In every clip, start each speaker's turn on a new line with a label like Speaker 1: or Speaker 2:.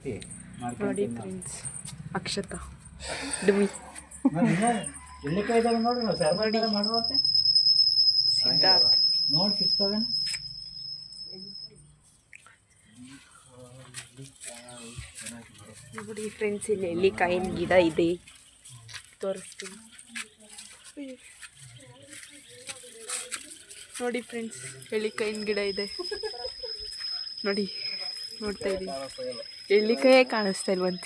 Speaker 1: ನೋಡಿ ಫ್ರೆಂಡ್ಸ್, ಅಕ್ಷತಾ ಡುಮಿ ಸಿದ್ಧಾರ್ಥ್
Speaker 2: ನೋಡಿ ಸಿಗ್ತವೆ.
Speaker 1: ನೋಡಿ ಫ್ರೆಂಡ್ಸ್, ಇಲ್ಲಿ ಎಲ್ಲಿಕಾಯಿನ ಗಿಡ ಇದೆ, ತೋರಿಸ್ತೀನಿ ನೋಡಿ ಫ್ರೆಂಡ್ಸ್. ಎಳ್ಳಿಕಾಯಿನ ಗಿಡ ಇದೆ ನೋಡಿ, ನೋಡ್ತಾ ಇದ್ದೀನಿ. ಎಳ್ಳಿಕಾಯೇ ಕಾಣಿಸ್ತಾ ಇಲ್ವಂತೆ.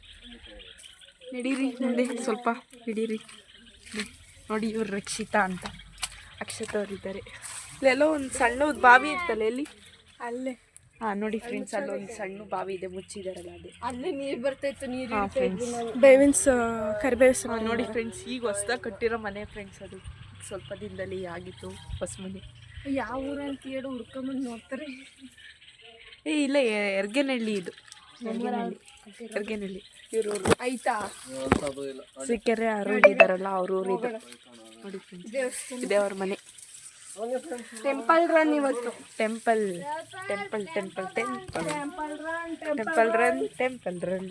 Speaker 1: ನಡೀರಿ ಮುಂದೆ ಸ್ವಲ್ಪ ಹಿಡೀರಿ. ನೋಡಿ ಇವ್ರು ರಕ್ಷಿತಾ ಅಂತ, ಅಕ್ಷತಾ ಅವರಿದ್ದಾರೆ. ಇಲ್ಲೆಲ್ಲೋ ಒಂದು ಸಣ್ಣದು ಬಾವಿ ಇರ್ತಲ್ಲ, ಎಲ್ಲಿ ಅಲ್ಲೇ. ಹಾಂ ನೋಡಿ ಫ್ರೆಂಡ್ಸ್, ಅಲ್ಲೊಂದು ಸಣ್ಣ ಬಾವಿ ಇದೆ, ಮುಚ್ಚಿದಾರಲ್ಲ ಅದೇ, ಅಲ್ಲೇ ನೀರು ಬರ್ತಾಯಿತ್ತು. ನೀರು ಬೇವಿನ್ಸ್ ಕರಿಬೇವ್ಸ್ ನೋಡಿ ಫ್ರೆಂಡ್ಸ್. ಈಗ ಹೊಸ್ದಾಗಿ ಕಟ್ಟಿರೋ ಮನೆ ಫ್ರೆಂಡ್ಸ್, ಅದು ಸ್ವಲ್ಪ ದಿನದಲ್ಲಿ ಆಗಿತ್ತು ಹೊಸ ಮನೆ. ಯಾವ ಊರಂತ ಹೇಳಿ ಹುಡ್ಕೊಂಬಂದು ನೋಡ್ತಾರೆ. ಇಲ್ಲ, ಎರ್ಗೆನಹಳ್ಳಿ ಇದು, ಎರ್ಗೆನಹಳ್ಳಿ ಇವ್ರ ಆಯ್ತಾ. ಸಿಕ್ಕೆರೆ ಅರುಣ್ ಇದ್ದಾರಲ್ಲ ಅವ್ರ ಊರಿದು ನೋಡಿ ಫ್ರೆಂಡ್ಸ್. ಇದೆ ಅವ್ರ ಮನೆ. ಟೆಂಪಲ್ ರನ್ ಇವತ್ತು. Temple temple temple temple temple run temple run.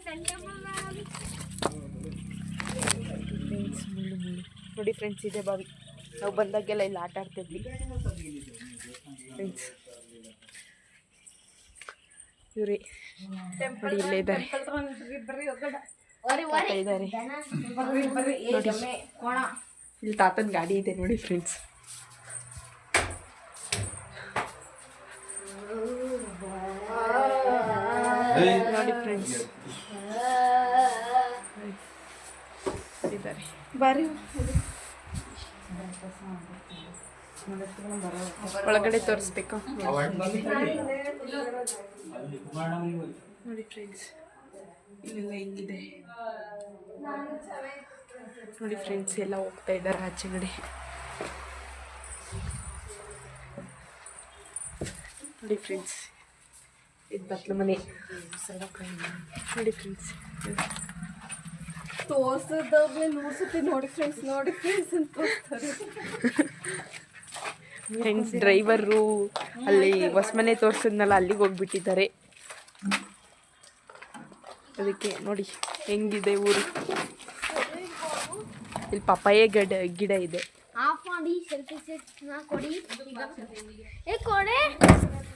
Speaker 1: ಮುಳ್ಳು ಮುಳ್ಳು ನೋಡಿ ಫ್ರೆಂಡ್ಸ್, ಇದೆ ಬಾವಿ. ನಾವು ಬಂದಾಗೆಲ್ಲ ಇಲ್ಲಿ ಆಟ ಆಡ್ತಿದ್ವಿ ಫ್ರೆಂಡ್ಸ್. ಇವರೇ ನೋಡಿ, ಇಲ್ಲೇ ಇದ್ದಾರೆ ಇದ್ದಾರೆ. ಇಲ್ಲಿ ತಾತನ ಗಾಡಿ ಇದೆ ನೋಡಿ ಫ್ರೆಂಡ್ಸ್. ನೋಡಿ ಫ್ರೆಂಡ್ಸ್ ಇದ್ದಾರೆ. ಬಾರಿ ಒಳಗಡೆ ತೋರಿಸ್ಬೇಕು ನೋಡಿ ಫ್ರೆಂಡ್ಸ್. ಇಲ್ಲೆಲ್ಲ ಹೆಂಗಿದೆ ನೋಡಿ ಫ್ರೆಂಡ್ಸ್. ಎಲ್ಲ ಹೋಗ್ತಾ ಇದ್ದಾರೆ ಆಚೆಗಡೆ ನೋಡಿ ಫ್ರೆಂಡ್ಸ್. ಇದು ಬತ್ಲ ಮನೆ ನೋಡಿ ಫ್ರೆಂಡ್ಸ್. ತೋರ್ಸೋದಾಗ್ಲೇ ನೋಡಿ ಫ್ರೆಂಡ್ಸ್, ನೋಡಿ ಫ್ರೆಂಡ್ಸ್ ಅಂತ ತೋರಿಸ್ತಾರೆ ಫ್ರೆಂಡ್ಸ್. ಡ್ರೈವರು ಅಲ್ಲಿ ಹೊಸ ಮನೆ ತೋರಿಸಿದ್ನಲ್ಲ, ಅಲ್ಲಿಗೆ ಹೋಗ್ಬಿಟ್ಟಿದ್ದಾರೆ. ಅದಕ್ಕೆ ನೋಡಿ ಹೆಂಗಿದೆ ಊರು. ಇಲ್ಲಿ ಪಪ್ಪಾಯ ಗಿಡ ಇದೆ.